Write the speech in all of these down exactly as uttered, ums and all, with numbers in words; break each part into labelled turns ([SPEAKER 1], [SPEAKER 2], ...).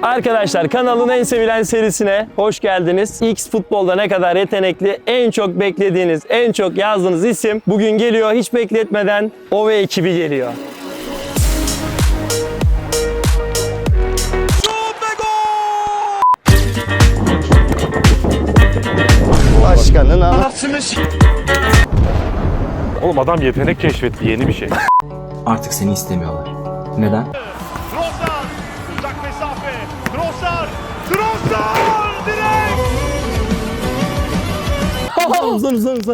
[SPEAKER 1] Arkadaşlar kanalın en sevilen serisine hoş geldiniz. X futbolda ne kadar yetenekli, en çok beklediğiniz, en çok yazdığınız isim bugün geliyor. Hiç bekletmeden O V ekibi geliyor.
[SPEAKER 2] Başkanın anasını
[SPEAKER 3] Oğlum adam yetenek keşfetti, yeni bir şey.
[SPEAKER 4] Artık seni istemiyorlar. Neden?
[SPEAKER 5] Trossard, uzak mesafe. Trossard, Trossard direkt.
[SPEAKER 1] Uzun uzun uzun.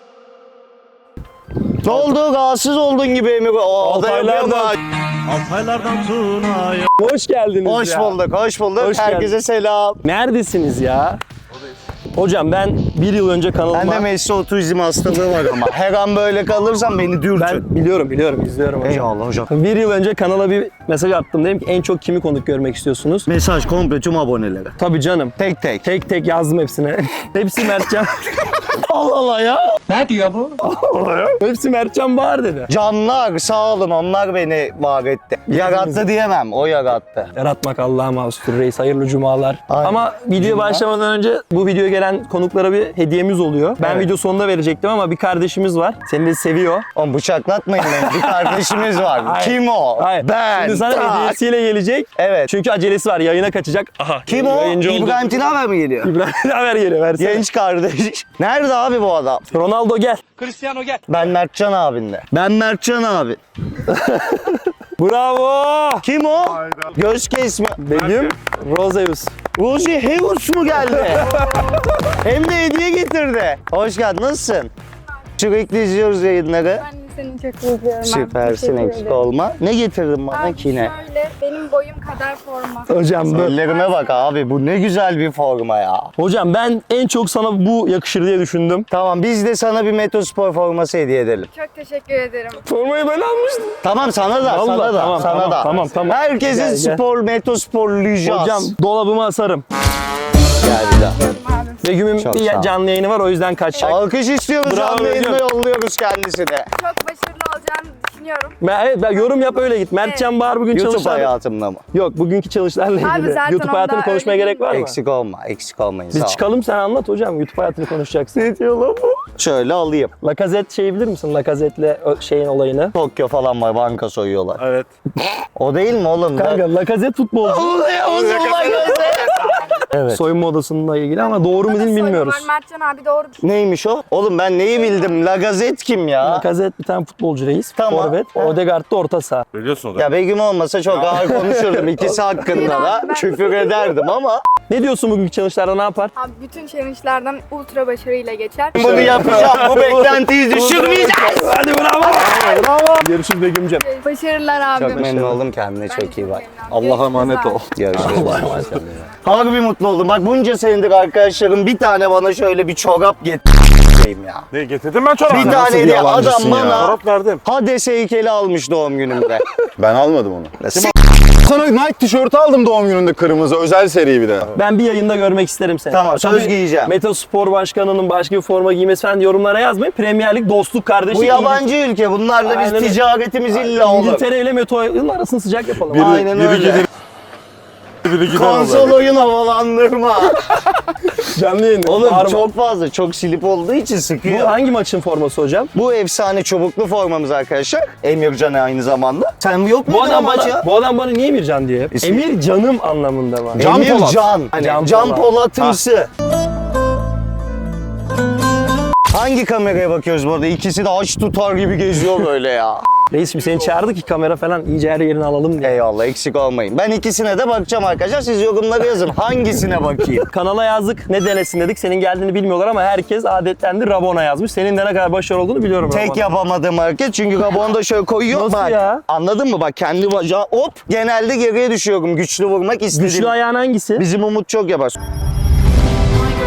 [SPEAKER 2] Ne oldu? Rahatsız oldun gibi Emir. O da
[SPEAKER 1] Altaylardan.
[SPEAKER 5] Altaylardan Tuna'ya.
[SPEAKER 1] Hoş geldiniz
[SPEAKER 2] Hoş
[SPEAKER 1] ya.
[SPEAKER 2] bulduk, hoş bulduk.
[SPEAKER 1] Hoş
[SPEAKER 2] Herkese
[SPEAKER 1] geldin.
[SPEAKER 2] selam.
[SPEAKER 1] Neredesiniz ya? Hocam ben bir yıl önce kanalıma...
[SPEAKER 2] Bende Messi otizm hastalığı var ama her an böyle kalırsam beni dürtün.
[SPEAKER 1] Ben biliyorum biliyorum izliyorum hocam.
[SPEAKER 2] Eyvallah hocam.
[SPEAKER 1] Bir yıl önce kanala bir mesaj attım. Dedim ki en çok kimi konuk görmek istiyorsunuz?
[SPEAKER 2] Mesaj komple tüm abonelere.
[SPEAKER 1] Tabii canım.
[SPEAKER 2] Tek tek.
[SPEAKER 1] Tek tek yazdım hepsine. Hepsi Mertcan. Allah Allah ya.
[SPEAKER 4] Ne diyor bu?
[SPEAKER 1] Allah ya. Hepsi Mertcan Bahar dedi.
[SPEAKER 2] Canlar sağ olun, onlar beni var etti. Yarattı diyemem, o yarattı.
[SPEAKER 1] Yaratmak Allah'a mahsustur reis. Hayırlı cumalar.
[SPEAKER 2] Aynen.
[SPEAKER 1] Ama videoya
[SPEAKER 2] Cuma.
[SPEAKER 1] başlamadan önce bu videoya gelen konuklara bir hediyemiz oluyor. Ben
[SPEAKER 2] Evet.
[SPEAKER 1] video sonunda verecektim ama bir kardeşimiz var. Seni de seviyor.
[SPEAKER 2] Oğlum bıçaklatmayın beni, bir kardeşimiz var.
[SPEAKER 1] Hayır.
[SPEAKER 2] Kim o?
[SPEAKER 1] Hayır.
[SPEAKER 2] Ben.
[SPEAKER 1] Şimdi sana
[SPEAKER 2] Tak.
[SPEAKER 1] hediyesiyle gelecek.
[SPEAKER 2] Evet.
[SPEAKER 1] Çünkü acelesi var. Yayına kaçacak. Aha.
[SPEAKER 2] Kim o?
[SPEAKER 1] Yayıncı oldu.
[SPEAKER 2] İbrahim Tinaver mi geliyor?
[SPEAKER 1] İbrahim haber geliyor. Versene.
[SPEAKER 2] Genç kardeş. Nerede abi bu adam?
[SPEAKER 1] Ronaldo gel.
[SPEAKER 5] Cristiano gel.
[SPEAKER 2] Ben Mertcan abinle. Ben Mertcan abi.
[SPEAKER 1] Bravo.
[SPEAKER 2] Kim o? Göz kesme.
[SPEAKER 1] Begüm Roseus.
[SPEAKER 2] Rosie Heus mu geldi? Hem de hediye getirdi. Hoş geldin, nasılsın? Sürekli izliyoruz yayınları.
[SPEAKER 6] Ben de seni çok izliyorum. abi.
[SPEAKER 2] Süpersin,
[SPEAKER 6] Teşekkür
[SPEAKER 2] eksik
[SPEAKER 6] ederim.
[SPEAKER 2] olma. Ne getirdin bana
[SPEAKER 6] Abi
[SPEAKER 2] ki ne?
[SPEAKER 6] şöyle benim boyum kadar forma.
[SPEAKER 1] Hocam böyle.
[SPEAKER 2] Ellerime bak abi, bu ne güzel bir forma ya.
[SPEAKER 1] Hocam ben en çok sana bu yakışır diye düşündüm.
[SPEAKER 2] Tamam, biz de sana bir Metospor forması hediye edelim.
[SPEAKER 6] Çok teşekkür ederim.
[SPEAKER 1] Formayı ben almıştım.
[SPEAKER 2] Tamam, sana da,
[SPEAKER 1] Vallahi,
[SPEAKER 2] sana da,
[SPEAKER 1] tamam,
[SPEAKER 2] sana
[SPEAKER 1] tamam,
[SPEAKER 2] da.
[SPEAKER 1] tamam, tamam.
[SPEAKER 2] Herkesin
[SPEAKER 1] Gel, gel.
[SPEAKER 2] spor, Metosporlayacağız.
[SPEAKER 1] Hocam dolabıma asarım.
[SPEAKER 2] Gel bir daha.
[SPEAKER 6] Abi.
[SPEAKER 1] Begüm'ün
[SPEAKER 2] Çok sağ
[SPEAKER 1] bir
[SPEAKER 2] ol.
[SPEAKER 1] canlı yayını var o yüzden kaçacak.
[SPEAKER 2] Alkış istiyoruz,
[SPEAKER 1] Bravo
[SPEAKER 2] canlı yayında
[SPEAKER 1] hocam.
[SPEAKER 2] yolluyoruz kendisine.
[SPEAKER 6] Çok başarılı olacağını düşünüyorum.
[SPEAKER 1] Ben, evet ben yorum yap öyle git. Mertcan Bahar bugün
[SPEAKER 2] YouTube
[SPEAKER 1] çalışlar.
[SPEAKER 2] hayatımda mı?
[SPEAKER 1] Yok bugünkü çalışlarla ilgili.
[SPEAKER 6] Abi zaten
[SPEAKER 1] YouTube hayatını
[SPEAKER 6] onda
[SPEAKER 1] konuşmaya
[SPEAKER 6] öyle
[SPEAKER 1] gerek var mı?
[SPEAKER 2] Eksik olma, eksik olmayın.
[SPEAKER 1] Biz
[SPEAKER 2] sağ ol.
[SPEAKER 1] çıkalım sen anlat hocam. YouTube hayatını konuşacaksın. Ne diyor lan bu?
[SPEAKER 2] Şöyle alayım.
[SPEAKER 1] Lacazette şeyi bilir misin? Lacazette'le ö- şeyin olayını.
[SPEAKER 2] Tokyo falan var, banka soyuyorlar.
[SPEAKER 3] Evet.
[SPEAKER 2] O değil mi oğlum?
[SPEAKER 1] Kanka Lacazette futbolcu.
[SPEAKER 2] Evet.
[SPEAKER 1] Soyunma odasıyla ilgili ama doğru mu değil mi bilmiyoruz.
[SPEAKER 6] Var. Mertcan abi doğru.
[SPEAKER 2] Neymiş o? Oğlum ben neyi bildim? Lagazet kim ya?
[SPEAKER 1] Lacazette bir tane futbolcu reis.
[SPEAKER 2] Tamam.
[SPEAKER 1] Forvet.
[SPEAKER 2] Ha.
[SPEAKER 1] Odegaard da orta saha.
[SPEAKER 3] Biliyorsun o da.
[SPEAKER 2] Ya Begüm olmasa çok ağır konuşurdum ikisi hakkında da.
[SPEAKER 6] Ben-
[SPEAKER 2] Küfür ederdim ama
[SPEAKER 1] Ne diyorsun bugünkü challenge'larda ne yapar?
[SPEAKER 6] Abi bütün challenge'lardan ultra başarıyla geçer.
[SPEAKER 2] bunu yapacağım. Bu beklentiyi düşürmeyeceğiz.
[SPEAKER 1] Hadi bravo. Bravo. Görüşürüz Begüm'cüm.
[SPEAKER 6] Başarılar abi.
[SPEAKER 2] Çok memnun oldum, kendine çok iyi bak.
[SPEAKER 3] Allah'a emanet ol.
[SPEAKER 2] Görüşürüz. Harbi mutlu oldum. Bak bunca senedir arkadaşlarım bir tane bana şöyle bir çorap getireyim ya.
[SPEAKER 3] Ne getirdim ben çorabı?
[SPEAKER 2] Bir tane diye adam bana
[SPEAKER 3] Çorap verdim.
[SPEAKER 2] Hades heykeli almış doğum günümde.
[SPEAKER 7] Ben almadım onu. Sana Nike tişörtü aldım doğum gününde, kırmızı özel seri bir de.
[SPEAKER 1] Ben bir yayında görmek isterim seni.
[SPEAKER 2] Tamam, söz
[SPEAKER 1] Tabii
[SPEAKER 2] giyeceğim.
[SPEAKER 1] Metospor Başkanı'nın başka bir forma giymesi falan yorumlara yazmayın. Premier Lig dostluk kardeşi.
[SPEAKER 2] Bu yabancı ülke. Bunlarla biz
[SPEAKER 1] Aynen öyle.
[SPEAKER 2] ticaretimiz illa olur.
[SPEAKER 1] İngiltere ile Meto'nun arasını sıcak yapalım.
[SPEAKER 7] Biri,
[SPEAKER 2] Aynen
[SPEAKER 7] biri
[SPEAKER 2] öyle.
[SPEAKER 7] gelir, biri gider
[SPEAKER 2] Konsol
[SPEAKER 7] olur.
[SPEAKER 2] oyun havalandırma.
[SPEAKER 1] Canlı yayın.
[SPEAKER 2] Oğlum
[SPEAKER 1] Var mı?
[SPEAKER 2] çok fazla, çok silip olduğu için
[SPEAKER 1] Bu
[SPEAKER 2] sıkıyor.
[SPEAKER 1] hangi maçın forması hocam?
[SPEAKER 2] Bu efsane çubuklu formamız arkadaşlar. Emircan aynı zamanda. Sen yok
[SPEAKER 1] Bu
[SPEAKER 2] muydun
[SPEAKER 1] adam
[SPEAKER 2] maç
[SPEAKER 1] bana,
[SPEAKER 2] ya?
[SPEAKER 1] bu adam bana niye Emircan diyor?
[SPEAKER 2] İsmi-
[SPEAKER 1] Emir canım anlamında var.
[SPEAKER 7] Can
[SPEAKER 2] Emir
[SPEAKER 7] Polat.
[SPEAKER 2] Can. Hani
[SPEAKER 1] Can
[SPEAKER 2] Can,
[SPEAKER 1] Polat.
[SPEAKER 2] Polat'ımsı. Hangi kameraya bakıyoruz bu arada? İkisi de aç tutar gibi geziyor böyle ya.
[SPEAKER 1] Reis şimdi seni çağırdı ki kamera falan iyice her yerini alalım diye.
[SPEAKER 2] Eyvallah, eksik olmayın. Ben ikisine de bakacağım arkadaşlar. Siz yorumlara yazın. Hangisine bakayım?
[SPEAKER 1] Kanala yazdık ne denesin dedik. Senin geldiğini bilmiyorlar ama herkes adetlendi Rabona yazmış. Senin de ne kadar başarılı olduğunu biliyorum.
[SPEAKER 2] Tek
[SPEAKER 1] Rabona.
[SPEAKER 2] yapamadığım hareket çünkü kabuğunu da şöyle koyuyor.
[SPEAKER 1] Nasıl
[SPEAKER 2] bak,
[SPEAKER 1] ya?
[SPEAKER 2] Anladın mı? Bak kendi bacağı hop genelde geriye düşüyorum. Güçlü vurmak istedim.
[SPEAKER 1] Güçlü ayağın hangisi?
[SPEAKER 2] Bizim Umut çok yapar.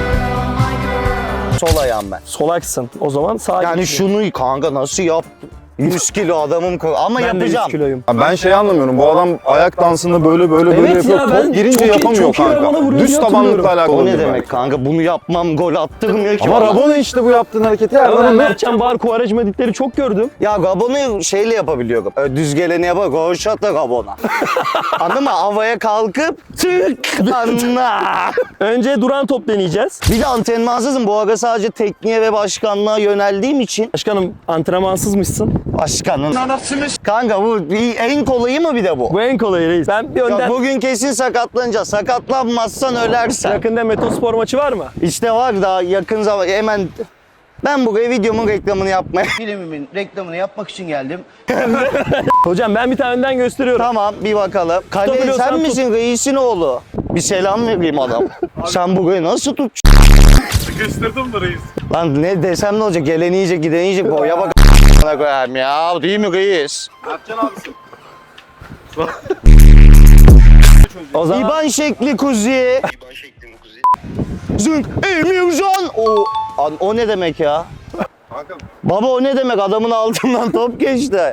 [SPEAKER 2] Sol ayağım ben.
[SPEAKER 1] Solaksın. O zaman sağ
[SPEAKER 2] Yani
[SPEAKER 1] güçlü.
[SPEAKER 2] şunu kanka nasıl yap? yüz kilo adamım ko- ama
[SPEAKER 1] Ben de yüz
[SPEAKER 2] yapacağım.
[SPEAKER 1] kiloyum.
[SPEAKER 7] Ya ben şey anlamıyorum. Bu adam ayak dansında böyle böyle böyle
[SPEAKER 1] Evet
[SPEAKER 7] yapıyor.
[SPEAKER 1] ya, ben
[SPEAKER 7] Top girince
[SPEAKER 1] çok iyi-
[SPEAKER 7] yapamıyor
[SPEAKER 1] çok iyi
[SPEAKER 7] kanka.
[SPEAKER 1] Rabona vuruyor
[SPEAKER 7] Düz
[SPEAKER 1] diye
[SPEAKER 7] tabanlıkla
[SPEAKER 1] hatırlıyorum.
[SPEAKER 7] alakalı.
[SPEAKER 2] O ne
[SPEAKER 7] değil
[SPEAKER 2] demek
[SPEAKER 7] belki.
[SPEAKER 2] kanka? Bunu yapmam gol attırmıyor ki
[SPEAKER 7] Ama
[SPEAKER 2] bana.
[SPEAKER 7] Rabona işte bu yaptığın hareketi her
[SPEAKER 1] Ya ben
[SPEAKER 7] zaman ne?
[SPEAKER 1] Mertcan Bar Kuvarajma editleri çok gördüm.
[SPEAKER 2] Ya Gabon'u şeyle yapabiliyorum. Öyle düz geleni yapar. Roşata Gabon'a. Anladın mı? Havaya kalkıp tık anla.
[SPEAKER 1] Önce duran top deneyeceğiz.
[SPEAKER 2] Bir de antrenmansızım. Bu ara sadece tekniğe ve başkanlığa yöneldiğim için.
[SPEAKER 1] Başkanım antrenmansızmışsın.
[SPEAKER 2] Başkanın. Kanka bu bir- en kolayı mı bir de bu?
[SPEAKER 1] Bu en kolayı reis. Ben bir
[SPEAKER 2] Ya
[SPEAKER 1] önden...
[SPEAKER 2] bugün kesin sakatlanacağız. Sakatlanmazsan ölersen.
[SPEAKER 1] Yakında Metospor maçı var mı?
[SPEAKER 2] İşte var daha yakın zaman hemen ben buraya videomun reklamını yapmaya.
[SPEAKER 8] Filmimin reklamını yapmak için geldim.
[SPEAKER 1] Hocam ben bir tane önden gösteriyorum.
[SPEAKER 2] Tamam bir bakalım. Kale
[SPEAKER 1] Tutabiliyorsan
[SPEAKER 2] sen
[SPEAKER 1] tut.
[SPEAKER 2] misin reisin oğlu? Bir selam vereyim adam. Sen burayı nasıl tut?
[SPEAKER 3] Sıkıştırdım da reis.
[SPEAKER 2] Lan ne desem ne olacak? Gelen yiyecek giden yiyecek. Boya bak a**ına koyayım ya. Değil mi reis?
[SPEAKER 1] O zaman
[SPEAKER 2] İban şekli kuzi. Zünk Emircan. O, an- o ne demek ya? Baba o ne demek? Adamın altından top geçti.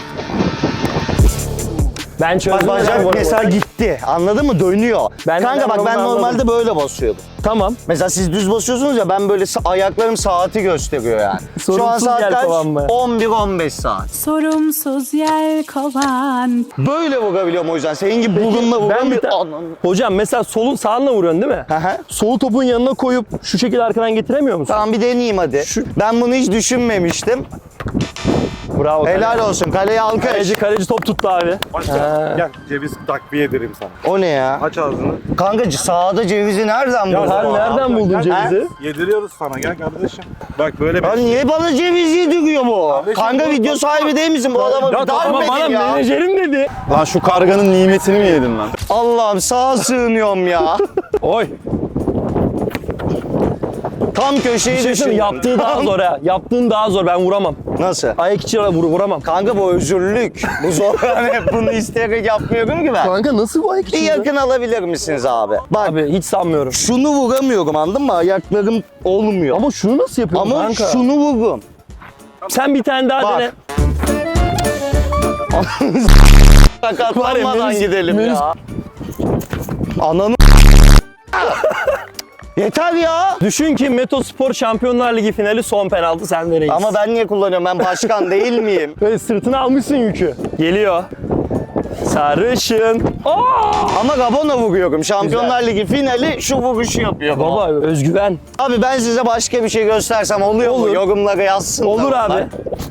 [SPEAKER 1] ben
[SPEAKER 2] Bak
[SPEAKER 1] çözdüm.
[SPEAKER 2] bacak
[SPEAKER 1] hocam.
[SPEAKER 2] mesela gitti. Anladın mı? Dönüyor.
[SPEAKER 1] Ben-
[SPEAKER 2] Kanka
[SPEAKER 1] ben
[SPEAKER 2] bak ben
[SPEAKER 1] onu
[SPEAKER 2] normalde
[SPEAKER 1] anladım.
[SPEAKER 2] böyle basıyordum.
[SPEAKER 1] Tamam.
[SPEAKER 2] Mesela siz düz basıyorsunuz ya ben böyle sa- ayaklarım saati gösteriyor yani. Şu an
[SPEAKER 1] Sorunsuz
[SPEAKER 2] saat
[SPEAKER 1] gel
[SPEAKER 2] kaç?
[SPEAKER 1] kovan mı?
[SPEAKER 2] on bir on beş saat.
[SPEAKER 9] Sorumsuz yel kovan.
[SPEAKER 2] Böyle vurabiliyorum o yüzden. Senin gibi burunla
[SPEAKER 1] Ben bir
[SPEAKER 2] vuramıyorum.
[SPEAKER 1] ta-
[SPEAKER 2] Anam.
[SPEAKER 1] Hocam mesela solun sağınla vuruyorsun değil mi?
[SPEAKER 2] Hı hı.
[SPEAKER 1] Solu topun yanına koyup şu şekilde arkadan getiremiyor musun?
[SPEAKER 2] Tamam bir deneyeyim hadi.
[SPEAKER 1] Şu-
[SPEAKER 2] Ben bunu hiç düşünmemiştim.
[SPEAKER 1] Bravo.
[SPEAKER 2] Helal olsun. Kaleye alkış.
[SPEAKER 1] Kaleci, kaleci top tuttu abi.
[SPEAKER 3] Başla. Gel ceviz takviye ederim sana.
[SPEAKER 2] O ne ya?
[SPEAKER 3] Aç ağzını.
[SPEAKER 2] Kanka sağda cevizi nereden buldun?
[SPEAKER 1] Sen nereden buldun cevizi?
[SPEAKER 3] Yediriyoruz sana gel kardeşim. Bak böyle bir...
[SPEAKER 2] Lan niye bana ceviz yediriyor bu?
[SPEAKER 3] Kardeşim,
[SPEAKER 2] Kanka
[SPEAKER 3] bu-
[SPEAKER 2] video sahibi değil misin? Bu adamı
[SPEAKER 1] Ya
[SPEAKER 2] bir
[SPEAKER 1] tamam
[SPEAKER 2] darp
[SPEAKER 1] bana
[SPEAKER 2] edin ya.
[SPEAKER 1] menajerim dedi.
[SPEAKER 7] Lan şu karganın nimetini mi yedin lan?
[SPEAKER 2] Allah'ım sağa sığınıyorum ya.
[SPEAKER 1] Oy.
[SPEAKER 2] Tam köşeyi
[SPEAKER 1] Bir şey
[SPEAKER 2] düşün.
[SPEAKER 1] söyleyeyim, yaptığı daha zor ha. Yaptığın daha zor. Ben vuramam.
[SPEAKER 2] Nasıl?
[SPEAKER 1] Ayak içine vur, vuramam.
[SPEAKER 2] Kanka bu özürlük. Bu zor. Hani bunu isteyerek yapmıyorum ki ben.
[SPEAKER 1] Kanka nasıl bu ayak
[SPEAKER 2] Bir
[SPEAKER 1] içinde?
[SPEAKER 2] yakın alabilir misiniz abi? Bak
[SPEAKER 1] Abi hiç sanmıyorum.
[SPEAKER 2] şunu vuramıyorum anladın mı? Ayaklarım olmuyor.
[SPEAKER 1] Ama şunu nasıl yapıyorsun
[SPEAKER 2] Ama
[SPEAKER 1] kanka?
[SPEAKER 2] şunu vururum.
[SPEAKER 1] Sen bir tane daha
[SPEAKER 2] Bak.
[SPEAKER 1] dene.
[SPEAKER 2] Sakatlanmadan
[SPEAKER 1] Melis-
[SPEAKER 2] gidelim
[SPEAKER 1] Melis-
[SPEAKER 2] ya. Ananı Yeter ya.
[SPEAKER 1] Düşün ki Metospor Şampiyonlar Ligi finali son penaltı sende reis.
[SPEAKER 2] Ama ben niye kullanıyorum? Ben başkan değil miyim?
[SPEAKER 1] Böyle sırtına almışsın yükü. Geliyor. Sarışın. Aa!
[SPEAKER 2] Ama Gabon'a vuruyorum. Şampiyonlar Ligi finali şu vuruşu yapıyor.
[SPEAKER 1] Baba özgüven.
[SPEAKER 2] Abi ben size başka bir şey göstersem oluyor
[SPEAKER 1] Olur.
[SPEAKER 2] mu? Yorumlara yazsın.
[SPEAKER 1] Olur abi.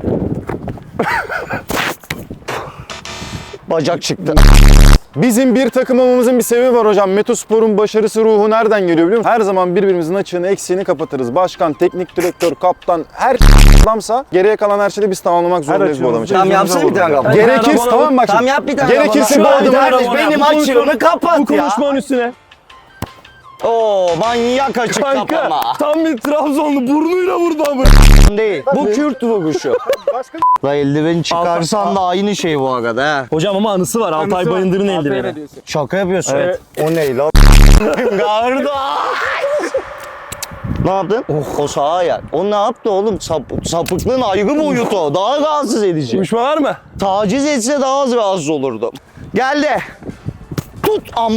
[SPEAKER 2] Bacak çıktı.
[SPEAKER 7] Bizim bir takım olmamızın bir sebebi var hocam. Metospor'un başarısı ruhu nereden geliyor biliyor musun? Her zaman birbirimizin açığını eksiğini kapatırız. Başkan, teknik direktör, kaptan her adamsa geriye kalan her şeyi biz tamamlamak zorundayız bu adam için.
[SPEAKER 2] Tamam yapsana bir tane Gabon.
[SPEAKER 7] Gerekirse
[SPEAKER 1] Rabona-
[SPEAKER 7] tamam bak.
[SPEAKER 2] Tamam yap bir tane
[SPEAKER 7] Gerekirse
[SPEAKER 2] Gabon'a.
[SPEAKER 7] bu
[SPEAKER 2] Şu
[SPEAKER 7] adamı
[SPEAKER 2] an kardeş,
[SPEAKER 1] Rabona yap.
[SPEAKER 2] benim
[SPEAKER 1] Bu
[SPEAKER 2] açığımı
[SPEAKER 1] konuşmanın-
[SPEAKER 2] kapat
[SPEAKER 1] Bu
[SPEAKER 2] ya.
[SPEAKER 1] konuşmanın üstüne.
[SPEAKER 2] Oo manyak açık
[SPEAKER 1] Kanka
[SPEAKER 2] kapama.
[SPEAKER 1] tam bir Trabzonlu burnuyla vurdu ama.
[SPEAKER 2] Değil. Bu Kürt vuruşu. La eldiveni çıkarsan da aynı şey bu arada ha.
[SPEAKER 1] Hocam ama anısı var. Altay Bayındır'ın eldiveni.
[SPEAKER 2] Şaka yapıyorsun.
[SPEAKER 1] Evet.
[SPEAKER 2] O ne lan? Garda. Ne yaptın? O sağ ayak. O ne yaptı oğlum? Sap, sapıklığın ayrı boyutu o. Daha rahatsız edici.
[SPEAKER 1] Uyuşma var mı?
[SPEAKER 2] Taciz etse daha az rahatsız olurdum. Geldi. Tut am...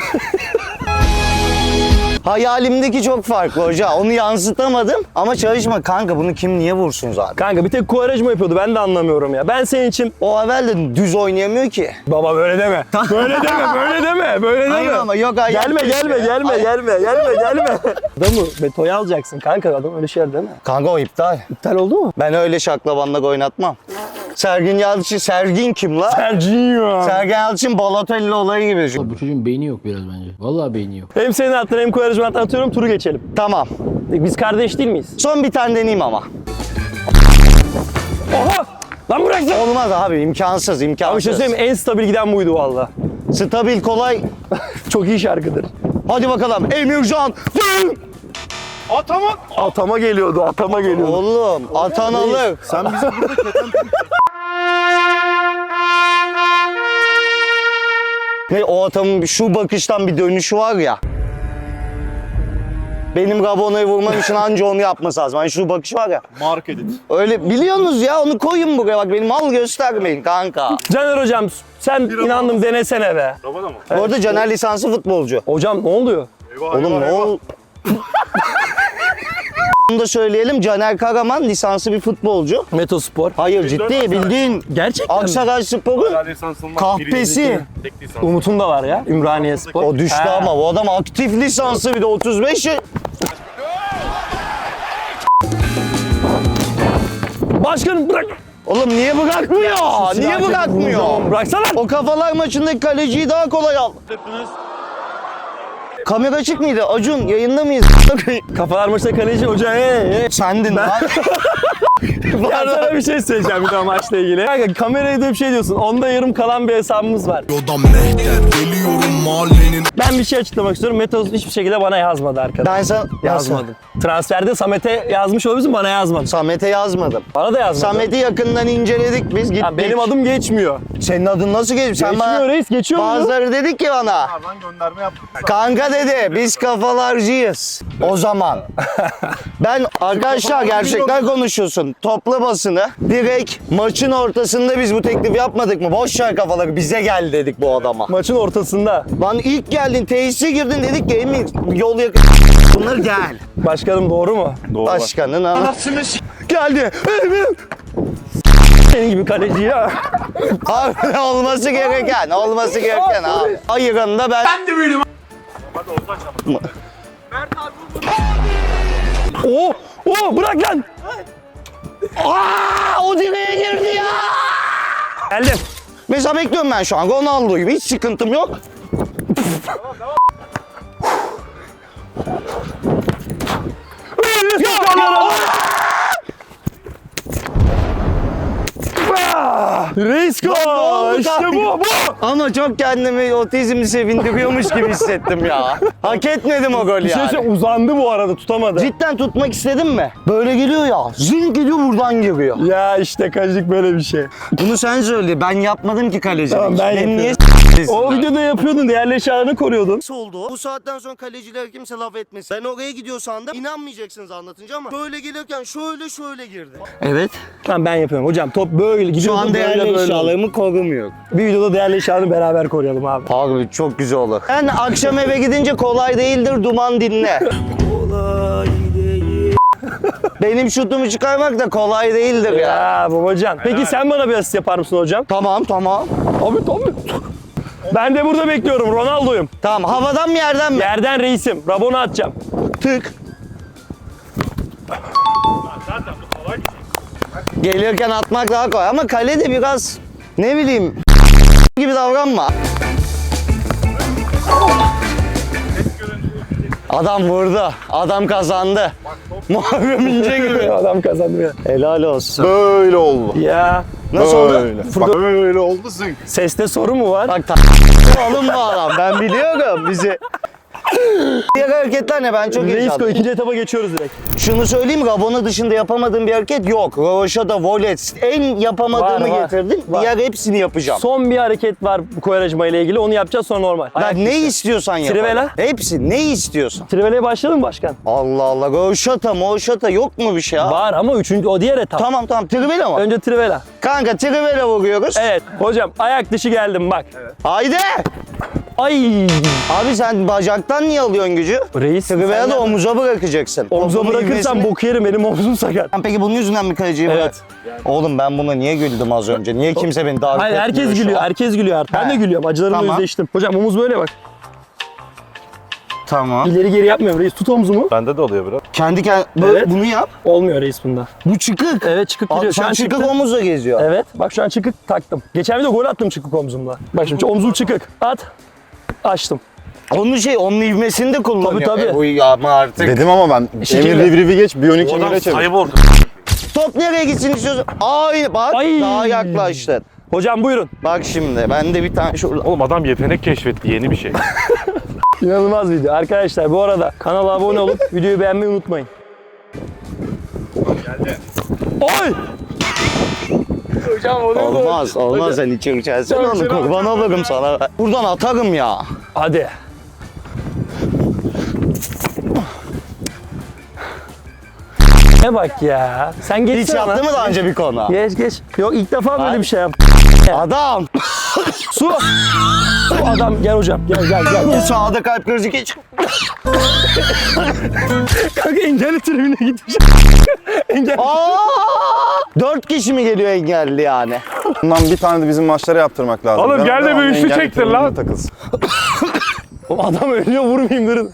[SPEAKER 2] Hayalimdeki çok farklı hoca. Onu yansıtamadım ama çalışma kanka bunu kim niye vursun zaten?
[SPEAKER 1] Kanka bir tek Kuvarajma yapıyordu. Ben de anlamıyorum ya. Ben senin için...
[SPEAKER 2] O evvel de düz oynayamıyor ki.
[SPEAKER 1] Baba böyle deme. Böyle deme, böyle deme, böyle deme.
[SPEAKER 2] Hayır ama yok ayak
[SPEAKER 1] Gelme,
[SPEAKER 2] geçiyor.
[SPEAKER 1] gelme, gelme,
[SPEAKER 2] Ay-
[SPEAKER 1] gelme, gelme, gelme. Adamı betoya alacaksın kanka. Adam öyle şeyler deme.
[SPEAKER 2] Kanka o iptal.
[SPEAKER 1] İptal oldu mu?
[SPEAKER 2] Ben öyle şaklabanlık oynatmam. Sergin Yalçın, Sergin kim la?
[SPEAKER 1] Sergio.
[SPEAKER 2] Sergen Yalçın Balotelli olayı gibi düşün.
[SPEAKER 10] Bu çocuğun beyni yok biraz bence. Vallahi beyni yok.
[SPEAKER 1] Hem senin adına hem Kuvarajma adına atıyorum. Turu geçelim.
[SPEAKER 2] Tamam.
[SPEAKER 1] Biz kardeş değil miyiz?
[SPEAKER 2] Son bir tane deneyeyim ama.
[SPEAKER 1] Oha! Lan bıraksana.
[SPEAKER 2] Olmaz abi imkansız
[SPEAKER 1] Abi bir
[SPEAKER 2] imkansız.
[SPEAKER 1] şey söyleyeyim mi? En stabil giden buydu valla.
[SPEAKER 2] Stabil kolay.
[SPEAKER 1] Çok iyi şarkıdır.
[SPEAKER 2] Hadi bakalım Emircan.
[SPEAKER 3] Atama.
[SPEAKER 1] Atama geliyordu, atama geliyordu.
[SPEAKER 2] Oğlum atan alır.
[SPEAKER 7] Sen bizi burada keten
[SPEAKER 2] Ne o atamın şu bakıştan bir dönüşü var ya. Benim Gabona'yı vurmam için anca onu yapması lazım. Hani şu bakış var ya.
[SPEAKER 3] Mark edit.
[SPEAKER 2] Öyle biliyorsunuz ya, onu koyun buraya bak, benim mal göstermeyin kanka.
[SPEAKER 1] Caner hocam sen inandım denesene be.
[SPEAKER 3] Robada mı?
[SPEAKER 2] Bu arada Caner lisanslı futbolcu.
[SPEAKER 1] Hocam ne oluyor?
[SPEAKER 3] Eyvah,
[SPEAKER 2] Oğlum
[SPEAKER 3] eyvah,
[SPEAKER 2] ne
[SPEAKER 3] eyvah.
[SPEAKER 2] ol... Bunu da söyleyelim, Caner Karaman lisanslı bir futbolcu.
[SPEAKER 1] Metospor.
[SPEAKER 2] Hayır ciddi bildiğin
[SPEAKER 1] Gerçekten mi?
[SPEAKER 2] Aksaray Spor'un
[SPEAKER 3] Hala lisansın var.
[SPEAKER 2] kahpesi.
[SPEAKER 3] Birinci, tek lisans.
[SPEAKER 1] Umut'un da var ya. Ümraniye Spor.
[SPEAKER 2] O düştü
[SPEAKER 1] Ha.
[SPEAKER 2] ama bu adam aktif lisanslı, bir de otuz beş yaş.
[SPEAKER 1] Başkanım bırak.
[SPEAKER 2] Oğlum niye bırakmıyor? Niye bırakmıyor?
[SPEAKER 1] Oğlum bıraksana.
[SPEAKER 2] O kafalar maçındaki kaleciyi daha kolay al. Kamera açık mıydı? Acun yayında mıyız?
[SPEAKER 1] Kafalar maçta kaleci hoca. He, he.
[SPEAKER 2] Sendin lan.
[SPEAKER 1] Ya sana bir şey söyleyeceğim bir daha maçla ilgili. Kanka kameraya da bir şey diyorsun. Onda yarım kalan bir hesabımız var. Ben bir şey açıklamak istiyorum. Metos hiçbir şekilde bana yazmadı arkadaşlar.
[SPEAKER 2] Ben sana
[SPEAKER 1] Yazmadım. Transferde Samet'e yazmış olabilirsin, bana yazmadı.
[SPEAKER 2] Samet'e yazmadım.
[SPEAKER 1] Bana da yazmadı.
[SPEAKER 2] Samet'i yakından inceledik biz, gittik.
[SPEAKER 1] Ha, benim adım geçmiyor.
[SPEAKER 2] Senin adın nasıl geçmiş? Sen
[SPEAKER 1] Geçmiyor
[SPEAKER 2] bana...
[SPEAKER 1] reis, geçiyor mu?
[SPEAKER 2] Bazıları dedik ki bana.
[SPEAKER 3] Nereden gönderme yaptık.
[SPEAKER 2] Kanka dedi, biz kafalarcıyız. O zaman. Ben arkadaşlar gerçekten konuşuyorsun. Topla basını. Direkt maçın ortasında biz bu teklifi yapmadık mı? Boş ver kafaları, bize gel dedik bu adama.
[SPEAKER 1] Maçın ortasında.
[SPEAKER 2] Lan ilk geldin, tesise girdin, dedik ki Emin yol yakın. Bunlar gel.
[SPEAKER 1] Başkanım doğru mu?
[SPEAKER 3] Doğru.
[SPEAKER 2] Başkanın anasını s- geldi. Emin.
[SPEAKER 1] Senin gibi kaleci ya.
[SPEAKER 2] Abi olması gereken, olması gereken abi. Ayırında ben... Ben de büyüdüm.
[SPEAKER 1] Oo, oo bırak lan.
[SPEAKER 2] Aa, o direğe girdi ya.
[SPEAKER 1] Geldim.
[SPEAKER 2] Mesela bekliyorum ben şu an Ronaldo gibi, hiç sıkıntım yok.
[SPEAKER 1] Reis
[SPEAKER 2] Ne oldu
[SPEAKER 1] go! İşte
[SPEAKER 2] kanka?
[SPEAKER 1] bu, bu.
[SPEAKER 2] Ama çok kendimi otizmli sevindiriyormuş gibi hissettim ya. Hak etmedim o golü
[SPEAKER 1] Bir şey
[SPEAKER 2] yani.
[SPEAKER 1] söyleyeyim, uzandı bu arada, tutamadı.
[SPEAKER 2] Cidden tutmak istedim mi? Böyle geliyor ya, zın geliyor buradan giriyor.
[SPEAKER 1] Ya işte kalecik böyle bir şey.
[SPEAKER 2] Bunu sen söyle, ben yapmadım ki kaleci.
[SPEAKER 1] Tamam, ben
[SPEAKER 2] Beni niye
[SPEAKER 1] O videoda yapıyordun, değerli eşyalarını koruyordun.
[SPEAKER 2] Nasıl oldu? Bu saatten sonra kaleciler kimse laf etmesin. Ben oraya gidiyor sandım. İnanmayacaksınız anlatınca ama böyle gelirken şöyle şöyle girdi. Evet.
[SPEAKER 1] Tamam ben yapıyorum hocam, top böyle
[SPEAKER 2] Şu
[SPEAKER 1] gidiyor.
[SPEAKER 2] an değerli eşyalarımı korumuyor.
[SPEAKER 1] Bir videoda değerli eşyalarını beraber koruyalım abi.
[SPEAKER 2] Abi çok güzel olur. Ben akşam eve gidince kolay değildir duman dinle. Kolay değil. Benim şutumu çıkarmak da kolay değildir ya.
[SPEAKER 1] Ya babacan. Peki sen bana bir asist yapar mısın hocam?
[SPEAKER 2] Tamam tamam.
[SPEAKER 1] Abi tabii. Ben de burada bekliyorum, Ronaldo'yum.
[SPEAKER 2] Tamam, havadan mı yerden mi?
[SPEAKER 1] Yerden reisim, Rabona atacağım.
[SPEAKER 2] Tık.
[SPEAKER 3] Zaten bu kolay bir şey.
[SPEAKER 2] Gelirken atmak daha kolay ama kale de biraz ne bileyim gibi davranma. Adam vurdu. Adam kazandı. Muharrem İnce gibi.
[SPEAKER 1] Adam kazandı ya.
[SPEAKER 2] Helal olsun.
[SPEAKER 7] Böyle oldu.
[SPEAKER 1] Ya
[SPEAKER 2] Nasıl oldu?
[SPEAKER 7] Böyle. Bak böyle oldu zınk.
[SPEAKER 1] seste sorun mu var?
[SPEAKER 2] Bak ta oğlum bu adam. Ben biliyorum bizi. Diğer hareketler ne? Ben çok
[SPEAKER 1] Reis
[SPEAKER 2] heyecanlıyım.
[SPEAKER 1] go, ikinci etapa geçiyoruz direkt.
[SPEAKER 2] Şunu söyleyeyim mi? Rabona dışında yapamadığım bir hareket yok. Rövaşata, volet. En yapamadığımı
[SPEAKER 1] Var, var.
[SPEAKER 2] getirdim.
[SPEAKER 1] Var.
[SPEAKER 2] Diğer hepsini yapacağım.
[SPEAKER 1] Son bir hareket var bu Koyaracıma ile ilgili, onu yapacağız sonra normal. Ayak
[SPEAKER 2] Ben ne
[SPEAKER 1] dişi.
[SPEAKER 2] istiyorsan yap.
[SPEAKER 1] Trivela?
[SPEAKER 2] Hepsi. Ne istiyorsan.
[SPEAKER 1] Trivela'ya başladın mı başkan?
[SPEAKER 2] Allah Allah. Rövaşata, moşata yok mu bir şey ya?
[SPEAKER 1] Var ama üçüncü, o diğer etap.
[SPEAKER 2] Tamam tamam. Trivela mı?
[SPEAKER 1] Önce Trivela.
[SPEAKER 2] Kanka trivela vuruyoruz.
[SPEAKER 1] Evet hocam, ayak dışı geldim bak.
[SPEAKER 2] Haydi.
[SPEAKER 1] Ay.
[SPEAKER 2] Abi sen bacaktan niye alıyorsun gücü?
[SPEAKER 1] Reis.
[SPEAKER 2] Trivela
[SPEAKER 1] sen
[SPEAKER 2] da
[SPEAKER 1] de-
[SPEAKER 2] omuza bırakacaksın.
[SPEAKER 1] Omuza
[SPEAKER 2] Topumun
[SPEAKER 1] bırakırsan
[SPEAKER 2] ivmesini-
[SPEAKER 1] bok yerim, benim omzum sakat.
[SPEAKER 2] Sen peki bunun yüzünden mi kaleciyi bırak?
[SPEAKER 1] Evet.
[SPEAKER 2] Oğlum ben buna niye güldüm az önce? Niye kimse beni davet
[SPEAKER 1] Hayır,
[SPEAKER 2] etmiyor
[SPEAKER 1] herkes
[SPEAKER 2] şu
[SPEAKER 1] gülüyor,
[SPEAKER 2] an?
[SPEAKER 1] herkes gülüyor artık. Ben
[SPEAKER 2] He.
[SPEAKER 1] de gülüyorum, acılarımla
[SPEAKER 2] Tamam.
[SPEAKER 1] yüzleştim. Hocam omuz böyle bak.
[SPEAKER 2] Tamam.
[SPEAKER 1] İleri geri yapmıyorum reis, tut omzumu.
[SPEAKER 3] Bende de oluyor biraz.
[SPEAKER 2] Kendi kendine
[SPEAKER 1] Evet.
[SPEAKER 2] bunu yap.
[SPEAKER 1] Olmuyor reis bunda.
[SPEAKER 2] Bu çıkık.
[SPEAKER 1] Evet, çıkık
[SPEAKER 2] Abi
[SPEAKER 1] gidiyor. Şu
[SPEAKER 2] sen
[SPEAKER 1] an
[SPEAKER 2] çıkık
[SPEAKER 1] çıktı.
[SPEAKER 2] omuzla geziyor.
[SPEAKER 1] Evet, bak şu an çıkık taktım. Geçen bir de gol attım çıkık omzumla. Bak şimdi omzum çıkık. At. Açtım.
[SPEAKER 2] Onun şey, onun ivmesini de kullanıyor.
[SPEAKER 1] Tabii, tabii.
[SPEAKER 2] E, bu ama artık.
[SPEAKER 7] Dedim ama ben
[SPEAKER 1] Şekilde.
[SPEAKER 7] Emir Rivrivi geç, biyonik
[SPEAKER 3] O adam
[SPEAKER 7] Emir'e çevir.
[SPEAKER 3] sayı oldu.
[SPEAKER 2] Top nereye gitsin istiyorsun? Ay bak
[SPEAKER 1] Ay.
[SPEAKER 2] daha yaklaştın.
[SPEAKER 1] Hocam buyurun.
[SPEAKER 2] Bak şimdi ben de bir tane şurada.
[SPEAKER 3] Oğlum adam yetenek keşfetti, yeni bir şey.
[SPEAKER 1] İnanılmaz video. Arkadaşlar bu arada kanala abone olup videoyu beğenmeyi unutmayın.
[SPEAKER 3] Geldi.
[SPEAKER 1] Oy! Hocam oluyor mu?
[SPEAKER 2] Olmaz olmaz sen içeri içersin
[SPEAKER 1] Hocam,
[SPEAKER 2] onu
[SPEAKER 1] şuna
[SPEAKER 2] kurban olurum sana. Buradan atarım ya.
[SPEAKER 1] Hadi. Ne bak ya. Sen geç.
[SPEAKER 2] Hiç yaptı mı daha önce bir konu?
[SPEAKER 1] Geç geç. Yok ilk defa böyle
[SPEAKER 2] Hayır.
[SPEAKER 1] bir şey yap.
[SPEAKER 2] Adam!
[SPEAKER 1] Su. Su adam gel hocam. Gel gel gel.
[SPEAKER 2] Bu
[SPEAKER 1] gel.
[SPEAKER 2] sağda kalp krizi geç.
[SPEAKER 1] Kanka engelli tribüne gitmiş. Engel.
[SPEAKER 2] Aa! Dört kişi mi geliyor engelli yani?
[SPEAKER 7] Bundan bir tane de bizim maçlara yaptırmak lazım.
[SPEAKER 3] Oğlum
[SPEAKER 7] Ben-
[SPEAKER 3] gel de
[SPEAKER 7] ben
[SPEAKER 3] bir üçlü
[SPEAKER 7] engelli
[SPEAKER 3] çektir
[SPEAKER 7] tribünde
[SPEAKER 3] lan.
[SPEAKER 7] takılsın.
[SPEAKER 1] Oğlum adam ölüyor vurmayayım durun.